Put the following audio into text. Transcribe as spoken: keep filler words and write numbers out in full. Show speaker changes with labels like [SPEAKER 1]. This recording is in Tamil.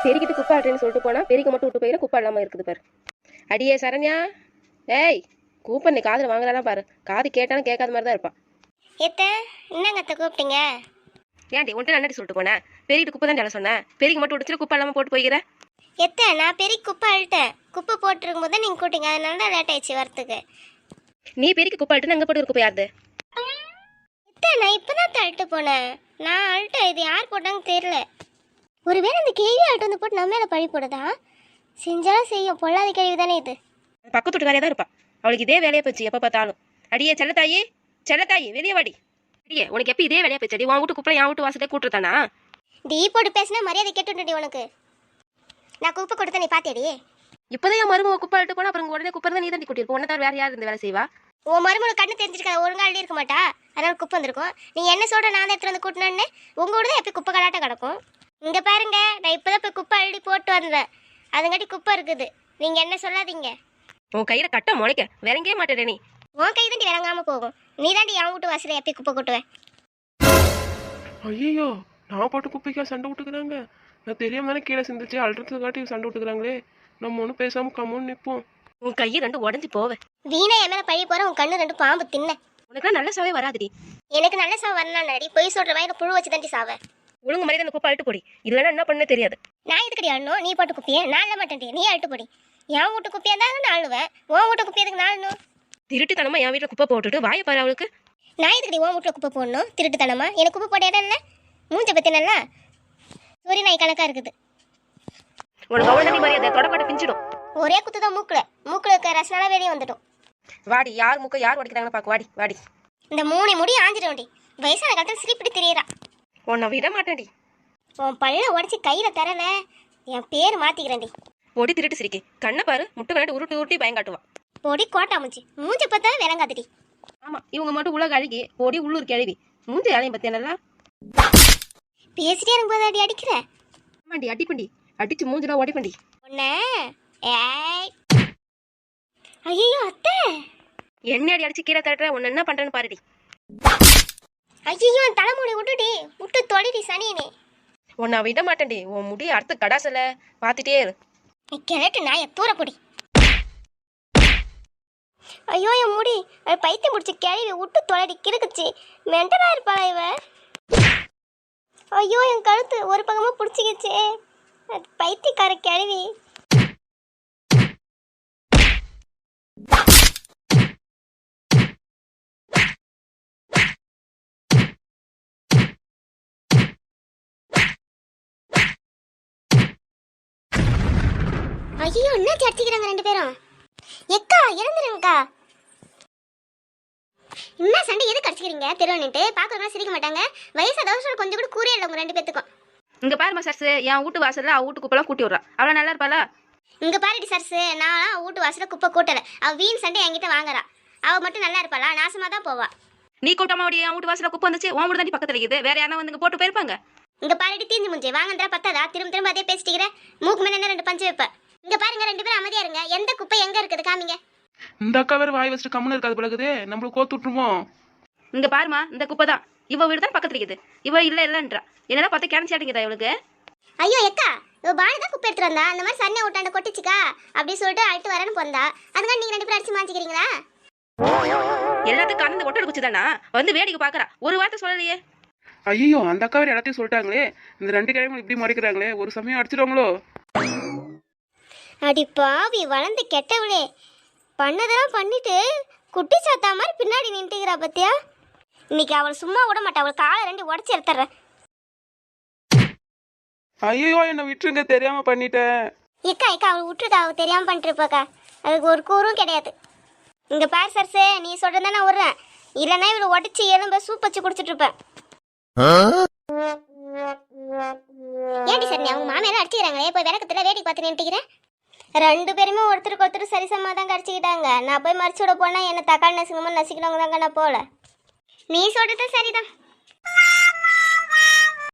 [SPEAKER 1] பெருக்கிட்டு குப்பை ஆட்டுன்னு சொல்லிட்டு போனா பெருக்க மட்டும் விட்டு போயிட குப்பை இல்லாமல் இருக்குது பாரு. அடியே சரண்யா, ஏய் கூப்பன் நீ காதில் வாங்குறானா பாரு. காது கேட்டாலும் கேட்காத மாதிரி தான் இருப்பான்.
[SPEAKER 2] எத்த என்னங்க அத்தை கூப்பிட்டீங்க?
[SPEAKER 1] ஏன்டி ஒன்ட்டு நன்னடி சொல்லிட்டு போனேன். பெருக்கிட்டு குப்பை தான் சொல்ல சொன்னேன். பெருக்கி மட்டும் விடுச்சுட்டு குப்பை இல்லாமல் போட்டு போய்க்கிற.
[SPEAKER 2] எத்த நான் பெரிய குப்பை அழுட்டேன். குப்பை போட்டுருக்கும் போது நீங்கள் கூட்டிங்க, அதனால தான் லேட் ஆயிடுச்சு வரத்துக்கு.
[SPEAKER 1] நீ பெருக்கி குப்பை அழுட்டு அங்கே போட்டு ஒரு குப்பை யாருது?
[SPEAKER 2] எத்த நான் இப்போ தான் அழுட்டு போனேன். நான் அழுட்டேன், இது யார் போட்டாங்கன்னு தெரியல. ஒருவேளை இந்த கேள்வி அழுட்டு வந்து போட்டு நம்ம மேலே பழி போடுதா? செஞ்சாலும் செய்யும், பொல்லாத கேள்வி தானே இது.
[SPEAKER 1] பக்கத்து வீட்டு வேலையாக தான் இருப்பா. அவளுக்கு இதே வேலையை போச்சு எப்போ பார்த்தாலும். அடியே செல்லத்தாயி, செல்லத்தாயி வெளியே வாடி. அடியே உனக்கு எப்போ இதே வேலையை போச்சு? அடி உன் வீட்டு குப்பை என் வீட்டு வாசலே கூட்டுருத்தானா?
[SPEAKER 2] டீ போட்டு பேசினா மரியாதை கேட்டுடி உனக்கு. நான் குப்பை கொடுத்த நீ பாத்தியடி?
[SPEAKER 1] இப்போதான் என் மருமக குப்பை அழுட்டு போனா அப்புறம் உடனே குப்பை தான் நீ தண்டி கூட்டியிருப்போம். உன்னை தவிர வேற யார் இந்த வேலை செய்வா?
[SPEAKER 2] உன் மருமக கண்ணு தெரிஞ்சிருக்காது, ஒழுங்கா அள்ளி இருக்க மாட்டா, அதனால குப்பை வந்திருக்கும். நீ என்ன சொல்ற நான் தான் எடுத்து வந்து கூட்டினேன்னு உங்க கூட தான் எப்போ குப்பை கலாட்டம் கிடக்கும். இங்க பாருங்க, நான் இப்போதான் போய் குப்பை அள்ளி போட்டு வந்தேன், அதுங்காட்டி குப்பை இருக்குது. நீங்க என்ன சொல்லாதீங்க.
[SPEAKER 1] உன் கையில கட்ட முளைக்க விளங்கவே மாட்டேன். நீ
[SPEAKER 2] உன் கை தாண்டி விளங்காம போகும். நீ தாண்டி என் வீட்டு வாசல எப்போ குப்பை கொட்டுவேன்.
[SPEAKER 3] ஐயோ, நான் போட்டு குப்பைக்கா சண்டை விட்டுக்கிறாங்க. நான் தெரியாம தானே கீழே சிந்திச்சு அழுறதுக்கு காட்டி சண்டை விட்டுக்கிறாங்களே. நம்ம ஒன்றும் பேசாம கம்முன்னு நிற்போம்.
[SPEAKER 1] உன் கையை ரெண்டு உடஞ்சி போவேன்.
[SPEAKER 2] வீணா என் மேல பழி போற உன் கண்ணு ரெண்டு பாம்பு தின்ன.
[SPEAKER 1] உனக்குலாம் நல்ல சாவே வராதுடி.
[SPEAKER 2] எனக்கு நல்ல சாவு வரலாம் நடி. பொய் சொல்ற வயல புழு வச்சு தாண்டி சாவ.
[SPEAKER 1] ஒழுங்கு மாதிரி அந்த குப்பை அழுட்டு போடி, இல்லைன்னா என்ன பண்ணே தெரியாது.
[SPEAKER 2] நான் எதுக்கடி அழணும்? நீ போட்டு குப்பியே நான் அள்ள மாட்டேன். நீ அழுட்டு போடி. என் வீட்டு குப்பியா இருந்தாலும் நான் அழுவேன். உன் வீட்டு குப்பி எதுக்கு நான் அழணும்?
[SPEAKER 1] திருட்டுத்தனமா என் வீட்டில் குப்பை போட்டுட்டு வாயை பாரு அவளுக்கு.
[SPEAKER 2] நான் எதுக்கடி உன் வீட்டில் குப்பை போடணும்? திருட்டுத்தனமா எனக்கு குப்பை போட இடம் இல்லை. மூஞ்ச பத்தி நல்லா சூரிய நாய் கணக்கா இருக்குது.
[SPEAKER 1] உனக்கு அவ்வளோ நன்றி மரியாதை தொடக்கட்ட பிஞ்சிடும்.
[SPEAKER 2] ஒரே குத்து தான் மூக்குல மூக்குல இருக்க ரசனால வெளியே வந்துடும்.
[SPEAKER 1] வாடி, யார் மூக்க யார் உடைக்கிறாங்கன்னு பார்க்க வாடி வாடி.
[SPEAKER 2] இந்த மூணு முடி ஆஞ்சிடும்டி. வயசான காலத்தில் சிரிப்பிட்டு தெரியறா.
[SPEAKER 1] உன்னை விட மாட்டேன்டி.
[SPEAKER 2] உன் பல்ல உடச்சி கையில தரல என் பேர் மாத்திக்கிறேன்டி.
[SPEAKER 1] பொடி திருட்டு சிரிக்கி கண்ணை பாரு, முட்டை விளையாட்டு உருட்டி உருட்டி பயங்காட்டுவா.
[SPEAKER 2] பொடி கோட்டா மூஞ்சி மூஞ்ச பார்த்தா விளங்காதுடி.
[SPEAKER 1] ஆமா, இவங்க மட்டும் உலக அழுகி பொடி உள்ளூர் கிழவி. மூஞ்சி வேலையும் பத்தி என்னலாம்
[SPEAKER 2] பேசிட்டே இருக்கும்போது அடி அடிக்கிற.
[SPEAKER 1] ஆமாண்டி, அடிப்பண்டி அடிச்சு மூஞ்சிலாம் ஓடிப்பண்டி
[SPEAKER 2] உன்ன. ஏய் ஐயோ அத்தை,
[SPEAKER 1] என்ன அடி அடிச்சு கீழே தட்டுற? உன்ன என்ன பண்றேன்னு பாருடி.
[SPEAKER 2] ஐயோ தலைமுடி விட்டுடி, விட்டு தொலைடி சனியனே.
[SPEAKER 1] உன்னை விட மாட்டேன்டி. உன் முடி அடுத்த கடாசல பார்த்துட்டே இரு.
[SPEAKER 2] நீ கிழட்டு நாய தூர பொடி. ஐயோ என் முடி அது பைத்தியம் பிடிச்சி கிழவி விட்டு தொலைடி கிறுக்குச்சு. மென்டலா இருப்பாளா இவ? ஐயோ என் கழுத்து ஒரு பக்கமா பிடிச்சிக்கிச்சே. பைத்தியக்கார கிழவி. ஐயோ என்ன அடிச்சுக்கிறாங்க ரெண்டு பேரும். எக்கா இறந்துருங்கக்கா. என்ன சண்டை எதுக்கு அடிச்சுக்கிறீங்க? தெருவன்ட்டு பாக்குறவங்க சிரிக்க மாட்டாங்க. வயசு தவசம் கொஞ்சம் கூட கூறே இல்லை உங்க ரெண்டு பேத்துக்கும்.
[SPEAKER 1] இங்க பாருமா சர்ஸ், என் வீட்டு வாசல்ல அவ வீட்டு குப்பெல்லாம் கூட்டி விடுறா. அவளா நல்லா இருப்பாளா?
[SPEAKER 2] இங்க பாருடி சர்ஸ், நான் வீட்டு வாசல குப்பை கூட்டல. அவ வீண் சண்டை என்கிட்ட வாங்குறா. அவ மட்டும் நல்லா இருப்பாளா? நாசமா தான் போவா.
[SPEAKER 1] நீ கூட்டமா என் வீட்டு வாசல குப்பை வந்துச்சு, உன் வீடு தாண்டி பக்கத்துல இருக்குது. வேற யாரா வந்து போட்டு போயிருப்பாங்க.
[SPEAKER 2] இங்க பாருடி தீஞ்சு முஞ்சே வாங்கன்றா பத்தாதா? திரும்ப திரும்ப அதே பேசிட்டீங்க. மூக்கு மேல என்ன ரெண்டு பஞ்சு வைப்ப. இங்க பாருங்க ரெண்டு பேரும் அமைதியா இருங்க. எந்த குப்பை எங்க இருக்குது காமிங்க.
[SPEAKER 3] இந்த அக்கா வேற வாய் வச்சுட்டு கம்முன்னு இருக்காது பிறகுதே. நம்மளுக்கு கோத்து விட்டுருமோ?
[SPEAKER 1] இங்க பாருமா, இந்த குப்பை தான் இவ வீடு தான் பக்கத்துல இருக்குது. இவ இல்ல இல்லன்றா. என்னடா பார்த்தா கேன்சாட்டிங்கதா இவளுக்கு.
[SPEAKER 2] ஐயோ எக்கா, இவ பாலு தான் குப்பை எடுத்துட்டு வந்தா. அந்த மாதிரி சன்னை விட்டாண்ட கொட்டிச்சுக்கா அப்படின்னு சொல்லிட்டு அழுட்டு வரேன்னு போந்தா. அதுக்காக நீங்க ரெண்டு பேரும் அடிச்சு மாஞ்சிக்கிறீங்களா?
[SPEAKER 1] எல்லாத்துக்கும் கலந்து ஒட்டடு குச்சி தானா வந்து வேடிக்கை பாக்குறா. ஒரு வார்த்தை சொல்லலையே.
[SPEAKER 3] ஐயோ, அந்த அக்கா வேற எல்லாத்தையும் சொல்லிட்டாங்களே. இந்த ரெண்டு கிழமையும் இப்படி மறைக்கிறாங்களே. ஒரு சமயம் அடிச்சிடுவாங்களோ?
[SPEAKER 2] அடி பாவி வளர்ந்து கெட்டவளே, பண்ணதெல்லாம் பண்ணிட்டு குட்டி சாத்தா மாதிரி பின்னாடி நின்றுக்கிறா பத்தியா? இன்னைக்கு அவள் சும்மா விட மாட்டா. அவள் காலை ரெண்டு உடச்சி எடுத்துறேன்.
[SPEAKER 3] ஐயோ என்னை விட்டுருங்க, தெரியாம பண்ணிட்டேன்.
[SPEAKER 2] ஏக்கா ஏக்கா அவள் விட்டுருக்கா. அவள் தெரியாம பண்ணிட்டு இருப்பாக்கா. அதுக்கு ஒரு கூறும் கிடையாது. இங்க பாரு சர்ஸே, நீ சொல்றதா நான் விடுறேன். இல்லைன்னா இவளை உடச்சி எலும்ப சூப் வச்சு குடிச்சிட்டு இருப்பேன். ஏன்டி சார் நீ அவங்க மாமையெல்லாம் அடிச்சுக்கிறாங்களே, போய் விளக்கத்துல வேடிக்கை பார்த்து நின்றுக்கிறேன். ரெண்டு பேருமே ஒருத்தருக்கு ஒருத்தர் சரிசமா தான் கடிச்சிக்கிட்டாங்க. நான் போய் மறைச்சு விட போனா என்ன தக்காளி நசுங்கமா நசிக்கிறவங்க தாங்க நான் போல. நீ சொல்றது சரிதான்.